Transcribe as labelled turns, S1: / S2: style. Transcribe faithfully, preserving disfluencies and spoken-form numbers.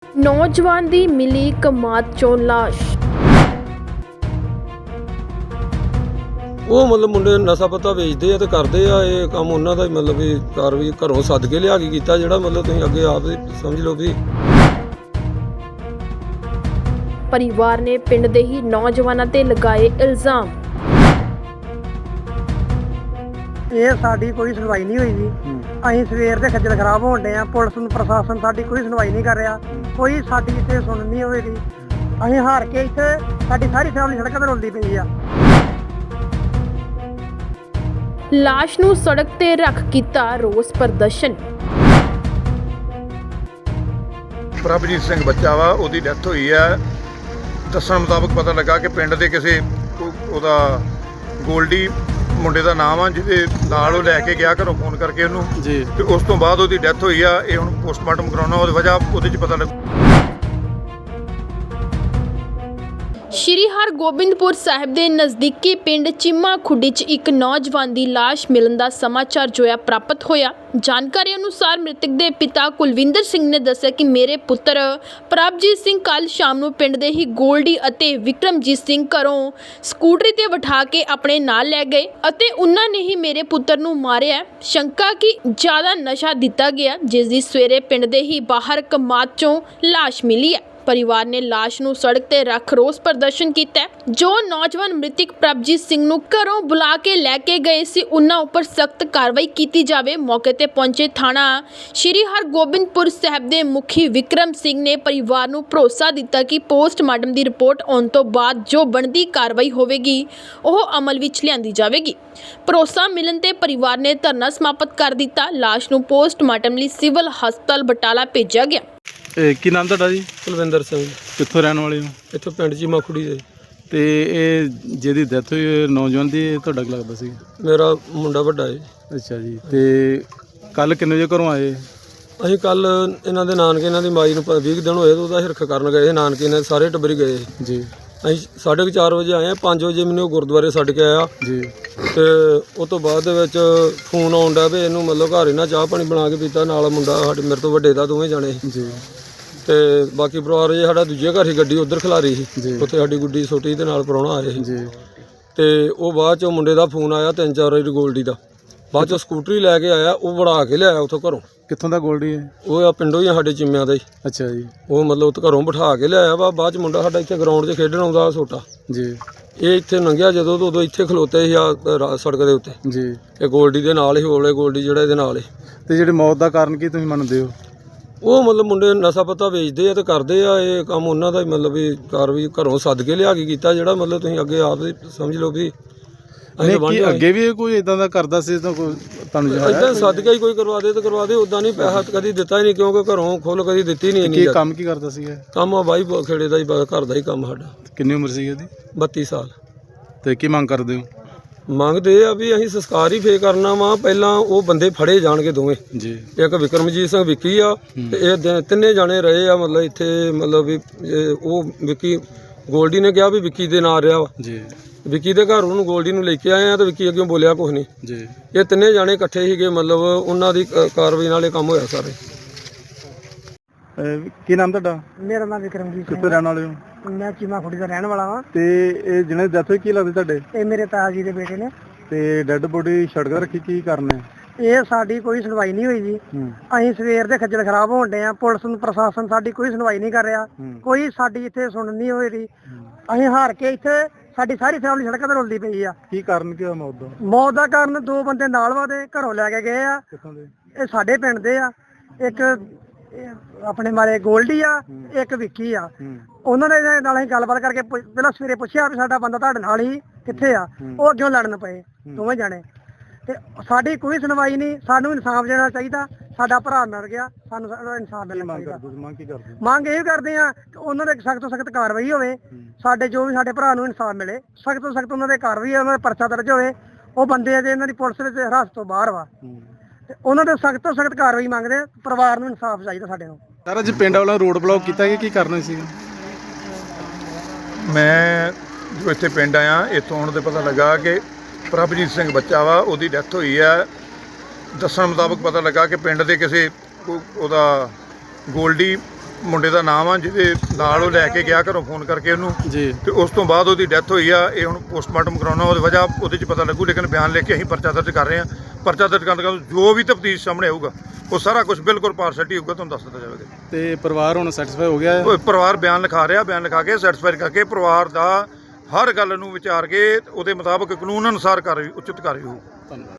S1: नौजवान दी मिली कमाद चों लाश।
S2: ਉਹ ਮਤਲਬ ਮੁੰਡੇ ਨਸ਼ਾ ਪੱਤਾ ਵੇਚਦੇ ਆ ਤੇ ਕਰਦੇ ਆ ਇਹ ਕੰਮ ਉਹਨਾਂ ਦਾ ਹੀ ਮਤਲਬ ਵੀ ਕਾਰਵਾਈ ਘਰੋਂ ਸੱਦ ਕੇ ਲਿਆ ਕੇ ਕੀਤਾ ਜਿਹੜਾ ਮਤਲਬ ਤੁਸੀਂ ਅੱਗੇ ਆਪ ਹੀ ਸਮਝ ਲਓ ਵੀ
S1: परिवार ने पिंड दे ही नौजवानों ते लगाए इल्जाम।
S3: ਇਹ ਸਾਡੀ ਕੋਈ ਸੁਣਵਾਈ ਨਹੀਂ ਹੋਈ ਜੀ। ਅਸੀਂ ਸਵੇਰ ਦੇ ਖੱਜਲ ਖਰਾਬ ਹੋਣ ਡੇ ਆ। ਪੁਲਿਸ ਨੂੰ ਪ੍ਰਸ਼ਾਸਨ ਸਾਡੀ ਕੋਈ ਸੁਣਵਾਈ ਨਹੀਂ ਕਰ ਰਿਹਾ। ਕੋਈ ਸਾਡੀ ਇੱਥੇ ਸੁਣ ਨਹੀਂ ਹੋਵੇਗੀ। ਅਸੀਂ ਹਾਰ ਕੇ ਇੱਥੇ ਸਾਡੀ ਸਾਰੀ ਫੈਮਿਲੀ ਸੜਕਾਂ ਤੇ ਰੁਲਦੀ ਪਈ ਆ।
S1: लाश नूं सड़क ते रख कीता रोस प्रदर्शन।
S4: ਪ੍ਰਭਜੀਤ ਸਿੰਘ ਬੱਚਾ ਵਾ, ਉਹਦੀ ਡੈਥ ਹੋਈ ਹੈ। ਦੱਸਣ ਮੁਤਾਬਕ ਪਤਾ ਲੱਗਾ ਕਿ ਪਿੰਡ ਦੇ ਕਿਸੇ ਉਹ- ਉਹਦਾ ਗੋਲਡੀ ਮੁੰਡੇ ਦਾ ਨਾਮ ਆ, ਜਿਹਦੇ ਨਾਲ ਉਹ ਲੈ ਕੇ ਗਿਆ ਘਰੋਂ ਫੋਨ ਕਰਕੇ ਉਹਨੂੰ ਜੀ, ਤੇ ਉਸ ਤੋਂ ਬਾਅਦ ਉਹਦੀ ਡੈਥ ਹੋਈ ਆ। ਇਹ ਹੁਣ ਪੋਸਟਮਾਰਟਮ ਕਰਾਉਣਾ, ਉਹਦੀ ਵਜ੍ਹਾ ਉਹਦੇ 'ਚ ਪਤਾ ਲੱਗ।
S1: ਸ਼੍ਰੀ ਹਰਗੋਬਿੰਦਪੁਰ ਸਾਹਿਬ ਦੇ ਨਜ਼ਦੀਕੀ ਪਿੰਡ ਚੀਮਾ ਖੁੱਡੀ 'ਚ ਇੱਕ ਨੌਜਵਾਨ ਦੀ ਲਾਸ਼ ਮਿਲਣ ਦਾ ਸਮਾਚਾਰ ਜੋਇਆ ਪ੍ਰਾਪਤ ਹੋਇਆ। ਜਾਣਕਾਰੀ ਅਨੁਸਾਰ ਮ੍ਰਿਤਕ ਦੇ ਪਿਤਾ ਕੁਲਵਿੰਦਰ ਸਿੰਘ ਨੇ ਦੱਸਿਆ ਕਿ ਮੇਰੇ ਪੁੱਤਰ ਪ੍ਰਭਜੀਤ ਸਿੰਘ ਕੱਲ ਸ਼ਾਮ ਨੂੰ ਪਿੰਡ ਦੇ ਹੀ ਗੋਲਡੀ ਅਤੇ ਵਿਕਰਮਜੀਤ ਸਿੰਘ ਘਰੋਂ ਸਕੂਟਰੀ ਤੇ ਬਿਠਾ ਕੇ ਆਪਣੇ ਨਾਲ ਲੈ ਗਏ ਅਤੇ ਉਹਨਾਂ ਨੇ ਹੀ ਮੇਰੇ ਪੁੱਤਰ ਨੂੰ ਮਾਰਿਆ। ਸ਼ੰਕਾ ਕਿ ਜ਼ਿਆਦਾ ਨਸ਼ਾ ਦਿੱਤਾ ਗਿਆ, ਜਿਸ ਦੀ ਸਵੇਰੇ ਪਿੰਡ ਦੇ ਹੀ ਬਾਹਰ ਕਮਾਦ 'ਚੋਂ ਲਾਸ਼ ਮਿਲੀ ਹੈ। परिवार ने लाश ਨੂੰ सड़क ਤੇ ਰੱਖ रोस प्रदर्शन ਕੀਤਾ। ਜੋ ਨੌਜਵਾਨ ਮ੍ਰਿਤਕ ਪ੍ਰਭਜੀਤ ਸਿੰਘ ਨੂੰ ਘਰੋਂ ਬੁਲਾ ਕੇ ਲੈ ਕੇ ਗਏ ਸੀ, ਉਹਨਾਂ ਉੱਪਰ ਸਖਤ ਕਾਰਵਾਈ ਕੀਤੀ ਜਾਵੇ। ਮੌਕੇ ਤੇ ਪਹੁੰਚੇ ਥਾਣਾ ਸ਼੍ਰੀ ਹਰਗੋਬਿੰਦਪੁਰ ਸਾਹਿਬ ਦੇ ਮੁਖੀ ਵਿਕਰਮ ਸਿੰਘ ਨੇ ਪਰਿਵਾਰ ਨੂੰ ਭਰੋਸਾ ਦਿੱਤਾ ਕਿ ਪੋਸਟਮਾਰਟਮ ਦੀ ਰਿਪੋਰਟ ਆਉਣ ਤੋਂ ਬਾਅਦ ਜੋ ਬਣਦੀ ਕਾਰਵਾਈ ਹੋਵੇਗੀ ਉਹ ਅਮਲ ਵਿੱਚ ਲਿਆਂਦੀ ਜਾਵੇਗੀ। ਭਰੋਸਾ ਮਿਲਣ ਤੇ ਪਰਿਵਾਰ ਨੇ ਧਰਨਾ ਸਮਾਪਤ ਕਰ ਦਿੱਤਾ। ਲਾਸ਼ ਨੂੰ ਪੋਸਟਮਾਰਟਮ ਲਈ ਸਿਵਲ ਹਸਪਤਾਲ ਬਟਾਲਾ ਭੇਜਿਆ ਗਿਆ।
S5: ਇਹ ਕੀ ਨਾਮ ਤੁਹਾਡਾ ਜੀ?
S2: ਕੁਲਵਿੰਦਰ ਸਿੰਘ।
S5: ਕਿੱਥੋਂ ਰਹਿਣ ਵਾਲੇ ਹੋ?
S2: ਇੱਥੋਂ ਪਿੰਡ ਚੀਮਾ ਖੁੱਡੀ ਦੇ।
S5: ਤੇ ਇਹ ਜਿਹਦੀ ਡੈਥ ਹੋਈ ਹੈ ਨੌਜਵਾਨ ਦੀ, ਇਹ ਤੁਹਾਡਾ ਕੀ ਲੱਗਦਾ ਸੀ?
S2: ਮੇਰਾ ਮੁੰਡਾ ਵੱਡਾ ਹੈ।
S5: ਅੱਛਾ ਜੀ। ਤੇ ਕੱਲ ਕਿੰਨੇ ਵਜੇ ਘਰੋਂ ਆਏ?
S2: ਅਸੀਂ ਕੱਲ ਇਹਨਾਂ ਦੇ ਨਾਨਕੇ, ਇਹਨਾਂ ਦੀ ਮਾਈ ਨੂੰ ਵੀਹ ਦਿਨ ਹੋਏ ਤੇ ਉਹਦਾ ਹਿਰਖ ਕਰਨ ਗਏ। ਨਾਨਕੇ ਨੇ ਸਾਰੇ ਟੱਬਰ ਗਏ
S5: ਜੀ।
S2: ਅਸੀਂ ਸਾਢੇ ਕੁ ਚਾਰ ਵਜੇ ਆਏ ਹਾਂ। ਪੰਜ ਵਜੇ ਮੈਨੂੰ ਉਹ ਗੁਰਦੁਆਰੇ ਛੱਡ ਕੇ ਆਇਆ
S5: ਜੀ।
S2: ਤੇ ਉਸ ਤੋਂ ਬਾਅਦ ਦੇ ਵਿੱਚ ਫੋਨ ਆਉਣ ਡਿਆ ਵੀ ਇਹਨੂੰ ਮਤਲਬ ਘਰ ਇਹਨਾਂ ਚਾਹ ਪਾਣੀ ਬਣਾ ਕੇ ਪੀਤਾ। ਨਾਲ ਮੁੰਡਾ ਸਾਡੇ ਮੇਰੇ ਤੋਂ ਵੱਡੇ ਦਾ, ਦੋਵੇਂ ਜਾਣੇ
S5: ਜੀ।
S2: ਤੇ ਬਾਕੀ ਪਰਿਵਾਰ ਜੇ ਸਾਡਾ ਦੂਜੇ ਘਰ ਹੀ ਗੱਡੀ ਉੱਧਰ ਖਿਲਾਰੀ ਸੀ, ਉੱਥੇ ਸਾਡੀ ਗੁੱਡੀ ਛੋਟੀ ਦੇ ਨਾਲ ਪ੍ਰਾਹੁਣਾ ਆਏ ਸੀ।
S5: ਜੀ।
S2: ਤੇ ਉਹ ਬਾਅਦ ਚੋਂ ਮੁੰਡੇ ਦਾ ਫੋਨ ਆਇਆ ਤਿੰਨ ਚਾਰ ਵਾਰੀ ਗੋਲਡੀ ਦਾ। ਬਾਅਦ ਚੋਂ ਸਕੂਟਰੀ ਲੈ ਕੇ ਆਇਆ, ਉਹ ਵੜਾ ਕੇ ਲਿਆਇਆ ਉੱਥੋਂ ਘਰੋਂ।
S5: ਕਿੱਥੋਂ ਦਾ ਗੋਲਡੀ ਹੈ?
S2: ਉਹ ਆ ਪਿੰਡੋਂ ਹੀ ਆ, ਸਾਡੇ ਚਿੰਮਿਆਂ ਦਾ ਹੀ।
S5: ਅੱਛਾ ਜੀ।
S2: ਉਹ ਮਤਲਬ ਉੱਥੇ ਘਰੋਂ ਬਿਠਾ ਕੇ ਲਿਆਇਆ ਵਾ। ਬਾਅਦ ਚ ਮੁੰਡਾ ਸਾਡਾ ਇੱਥੇ ਗਰਾਊਂਡ 'ਚ ਖੇਡਣ ਆਉਂਦਾ ਛੋਟਾ
S5: ਜੀ।
S2: ਇਹ ਇੱਥੇ ਲੰਘਿਆ ਜਦੋਂ ਤੋਂ ਉਦੋਂ ਇੱਥੇ ਖਲੋਤੇ ਸੀ ਆ ਸੜਕ ਦੇ ਉੱਤੇ।
S5: ਜੀ।
S2: ਇਹ ਗੋਲਡੀ ਦੇ ਨਾਲ ਹੀ ਹੋਲੇ ਗੋਲਡੀ ਜਿਹੜਾ ਇਹਦੇ ਨਾਲ ਹੀ।
S5: ਤੇ ਜਿਹੜੀ ਮੌਤ ਦਾ ਕਾਰਨ ਕੀ ਤੁਸੀਂ ਮੰਨਦੇ ਹੋ?
S2: ਉਹ ਮਤਲਬ ਮੁੰਡੇ ਨਸ਼ਾ ਪੱਤਾ ਵੇਚਦੇ ਆ ਤੇ ਕਰਦੇ ਆ ਇਹ ਕੰਮ ਉਹਨਾਂ ਦਾ ਹੀ ਮਤਲਬ ਵੀ ਕਾਰਵਾਈ ਘਰੋਂ ਸੱਦ ਕੇ ਲਿਆ ਕੇ ਕੀਤਾ ਜਿਹੜਾ ਮਤਲਬ ਤੁਸੀਂ ਅੱਗੇ ਆਪ ਹੀ ਸਮਝ ਲਓ ਵੀ
S5: ਨਹੀਂ ਕੀ ਅੱਗੇ ਵੀ ਕੋਈ ਇਦਾਂ ਦਾ ਕਰਦਾ ਸੀ ਤਾਂ ਕੋਈ ਤੁਹਾਨੂੰ
S2: ਇਦਾਂ ਸੱਦ ਕੇ ਹੀ ਕੋਈ ਕਰਵਾ ਦੇ ਤੇ ਕਰਵਾ ਦੇ। ਉਦਾਂ ਨਹੀਂ ਪੈਸਾ ਕਦੀ ਦਿੱਤਾ ਹੀ ਨਹੀਂ, ਕਿਉਂਕਿ ਘਰੋਂ ਖੁੱਲ ਕਦੀ ਦਿੱਤੀ ਨਹੀਂ।
S5: ਕੀ ਕੰਮ ਕੀ ਕਰਦਾ ਸੀ?
S2: ਕੰਮ ਆ ਬਾਈ ਖੇੜੇ ਦਾ ਹੀ, ਘਰ ਦਾ ਹੀ ਕੰਮ ਸਾਡਾ।
S5: ਕਿੰਨੀ ਉਮਰ ਸੀ ਇਹਦੀ?
S2: ਬੱਤੀ ਸਾਲ।
S5: ਤੇ ਕੀ ਮੰਗ ਕਰਦੇ ਹੋ?
S2: ਮੰਗਦੇ ਆ ਵੀ ਅਸੀਂ ਸੰਸਕਾਰ ਹੀ ਫੇਰ ਕਰਨਾ ਵਾ। ਪਹਿਲਾਂ ਉਹ ਬੰਦੇ ਫੜੇ ਜਾਣਗੇ ਦੋਵੇਂ
S5: ਜੀ।
S2: ਇੱਕ ਵਿਕਰਮਜੀਤ ਸਿੰਘ ਵਿੱਕੀ ਆ ਤੇ ਇਹ ਤਿੰਨੇ ਜਾਣੇ ਰਹੇ ਆ ਮਤਲਬ ਇੱਥੇ ਮਤਲਬ ਵੀ ਉਹ ਵਿੱਕੀ ਗੋਲਡੀ ਨੇ ਕਿਹਾ ਵੀ ਵਿੱਕੀ ਦੇ ਨਾਲ ਰਿਹਾ ਵਾ
S5: ਜੀ।
S2: ਵਿੱਕੀ ਦੇ ਘਰ ਉਹਨੂੰ ਗੋਲਡੀ ਨੂੰ ਲੈ ਕੇ ਆਏ ਆ ਤੇ ਵਿੱਕੀ ਅੱਗੇ ਬੋਲਿਆ ਕੁਛ ਨਹੀਂ
S5: ਜੀ।
S2: ਇਹ ਤਿੰਨੇ ਜਾਣੇ ਇਕੱਠੇ ਸੀਗੇ, ਮਤਲਬ ਉਹਨਾਂ ਦੀ ਕਾਰਵਾਈ ਨਾਲ ਇਹ ਕੰਮ ਹੋਇਆ ਸਾਰੇ।
S5: ਕੀ ਨਾਮ ਤੁਹਾਡਾ?
S3: ਮੇਰਾ ਨਾਮ ਵਿਕਰਮਜੀਤ ਸਿੰਘ।
S5: ਕਿੱਥੋਂ ਰਹਿਣ ਵਾਲੇ ਹੋ?
S3: ਮੈਂ ਚੀਮਾ ਖੁੱਡੀ ਦਾ ਰਹਿਣ ਵਾਲਾ ਹਾਂ।
S5: ਤੇ ਇਹ ਜਿਹਨੇ ਡੈਥ ਹੋਈ ਕੀ ਲੱਗਦੇ ਤੁਹਾਡੇ?
S3: ਇਹ ਮੇਰੇ ਤਾਇਆ ਜੀ ਦੇ ਬੇਟੇ ਨੇ।
S5: ਤੇ ਡੈੱਡ ਬੋਡੀ ਸੜਕ ਤੇ ਰੱਖੀ, ਕੀ ਕਰਨਾ?
S3: ਇਹ ਸਾਡੀ ਕੋਈ ਸੁਣਵਾਈ ਨਹੀਂ ਹੋਈ ਜੀ। ਅਸੀਂ ਸਵੇਰ ਦੇ ਖੱਜਲ ਖਰਾਬ ਹੋਣ ਡੇ ਆ। ਪੁਲਿਸ ਨੂੰ ਪ੍ਰਸ਼ਾਸਨ ਸਾਡੀ ਕੋਈ ਸੁਣਵਾਈ ਨਹੀਂ ਕਰ ਰਿਹਾ। ਕੋਈ ਸਾਡੀ ਇੱਥੇ ਸੁਣ ਨਹੀਂ ਹੋਏਗੀ। ਅਸੀਂ ਹਾਰ ਕੇ ਇੱਥੇ ਸਾਡੀ ਸਾਰੀ ਫੈਮਿਲੀ ਸੜਕਾਂ ਤੇ ਰੁਲਦੀ ਪਈ ਆ।
S5: ਕੀ ਕਾਰਨ ਕੀ ਹੋਇਆ ਮੌਤ ਦਾ?
S3: ਮੌਤ ਦਾ ਕਾਰਨ ਦੋ ਬੰਦੇ ਨਾਲ ਵਾਦੇ ਘਰੋਂ ਲੈ ਕੇ ਗਏ ਆ।
S5: ਕਿੱਥੋਂ ਦੇ?
S3: ਇਹ ਸਾਡੇ ਪਿੰਡ ਦੇ ਆ। ਇੱਕ ਇਹ ਆਪਣੇ ਮਾਰੇ ਗੋਲਡੀ ਆ, ਇੱਕ ਵਿੱਕੀ ਆ। ਉਹਨਾਂ ਦੇ ਨਾਲ ਅਸੀਂ ਗੱਲਬਾਤ ਕਰਕੇ ਪੁੱਛ- ਪਹਿਲਾਂ ਸਵੇਰੇ ਪੁੱਛਿਆ ਵੀ ਸਾਡਾ ਬੰਦਾ ਤੁਹਾਡੇ ਨਾਲ ਹੀ ਕਿੱਥੇ ਆ। ਉਹ ਅੱਗੇ ਲੜਨ ਪਏ ਦੋਵੇਂ ਜਾਣੇ। ਤੇ ਸਾਡੀ ਕੋਈ ਸੁਣਵਾਈ ਨਹੀਂ। ਸਾਨੂੰ ਇਨਸਾਫ ਦੇਣਾ ਚਾਹੀਦਾ। ਸਾਡਾ ਭਰਾ ਮਰ ਗਿਆ, ਸਾਨੂੰ ਇਨਸਾਫ ਮਿਲਣਾ ਚਾਹੀਦਾ।
S5: ਮੰਗ ਕੀ ਕਰਦੇ?
S3: ਮੰਗ ਇਹ ਕਰਦੇ ਆ ਕਿ ਉਹਨਾਂ ਦੇ ਸਖਤ ਤੋਂ ਸਖਤ ਕਾਰਵਾਈ ਹੋਵੇ। ਸਾਡੇ ਜੋ ਵੀ ਸਾਡੇ ਭਰਾ ਨੂੰ ਇਨਸਾਫ ਮਿਲੇ, ਸਖਤ ਤੋਂ ਸਖਤ ਉਹਨਾਂ ਦੇ ਕਾਰਵਾਈ, ਉਹਨਾਂ ਦਾ ਪਰਚਾ ਦਰਜ ਹੋਵੇ। ਉਹ ਬੰਦੇ ਆ ਜੇ ਇਹਨਾਂ ਦੀ ਪੁਲਿਸ ਵਿੱਚ ਹਿਰਾਸਤ ਤੋਂ ਬਾਹਰ ਵਾ, ਤੇ ਉਹਨਾਂ ਦੇ ਸਖਤ ਤੋਂ ਸਖਤ ਕਾਰਵਾਈ ਮੰਗਦੇ ਆ। ਪਰਿਵਾਰ ਨੂੰ ਇਨਸਾਫ ਚਾਹੀਦਾ ਸਾਡੇ ਨੂੰ।
S5: ਸਰ ਅੱਜ ਪਿੰਡ ਵਾਲਾ ਰੋਡ ਬਲੌਕ ਕੀਤਾ ਗਿਆ, ਕੀ ਕਰਨਾ ਸੀ?
S4: ਮੈਂ ਜੋ ਇੱਥੇ ਪਿੰਡ ਆਇਆ, ਇੱਥੋਂ ਆਉਣ ਤੇ ਪਤਾ ਲੱਗਾ ਕਿ ਪ੍ਰਭਜੀਤ ਸਿੰਘ ਬੱਚਾ ਵਾ, ਉਹਦੀ ਡੈਥ ਹੋਈ ਹੈ। ਦੱਸਣ ਮੁਤਾਬਕ ਪਤਾ ਲੱਗਾ ਕਿ ਪਿੰਡ ਦੇ ਕਿਸੇ ਉਹਦਾ ਗੋਲਡੀ ਮੁੰਡੇ ਦਾ ਨਾਮ ਆ ਜਿਹਦੇ ਨਾਲ ਉਹ ਲੈ ਕੇ ਗਿਆ ਘਰੋਂ ਫੋਨ ਕਰਕੇ ਉਹਨੂੰ,
S5: ਜੀ
S4: ਤੇ ਉਸ ਤੋਂ ਬਾਅਦ ਉਹਦੀ ਡੈਥ ਹੋਈ ਆ। ਇਹ ਹੁਣ ਪੋਸਟਮਾਰਟਮ ਕਰਾਉਣਾ, ਉਹਦੀ ਵਜ੍ਹਾ ਉਹਦੇ 'ਚ ਪਤਾ ਲੱਗੂ, ਲੇਕਿਨ ਬਿਆਨ ਲਿਖ ਕੇ ਅਸੀਂ ਪਰਚਾ ਦਰਜ ਕਰ ਰਹੇ ਹਾਂ। ਪਰਚਾ ਦਰਜ ਕਰਨ ਤੋਂ ਜੋ ਵੀ ਤਫਤੀਸ਼ ਸਾਹਮਣੇ ਆਊਗਾ ਉਹ ਸਾਰਾ ਕੁਝ ਬਿਲਕੁਲ ਪਾਰਸ਼ੈਲਿਟੀ ਹੋਊਗਾ, ਤੁਹਾਨੂੰ ਦੱਸ ਦਿੱਤਾ ਜਾਵੇਗਾ।
S5: ਤੇ ਪਰਿਵਾਰ ਹੁਣ ਸੈਟੀਸਫਾਈ ਹੋ ਗਿਆ ਹੈ?
S4: ਉਹ ਪਰਿਵਾਰ ਬਿਆਨ ਲਿਖਾ ਰਿਹਾ, ਬਿਆਨ ਲਿਖਾ ਕੇ ਸੈਟੀਸਫਾਈ ਕਰਕੇ ਪਰਿਵਾਰ ਦਾ ਹਰ ਗੱਲ ਨੂੰ ਵਿਚਾਰ ਕੇ ਉਹਦੇ ਮੁਤਾਬਕ ਕਾਨੂੰਨ ਅਨੁਸਾਰ ਕਾਰਵਾਈ ਉਚਿਤ ਕਾਰਵਾਈ ਹੋਊ।
S5: ਧੰਨਵਾਦ।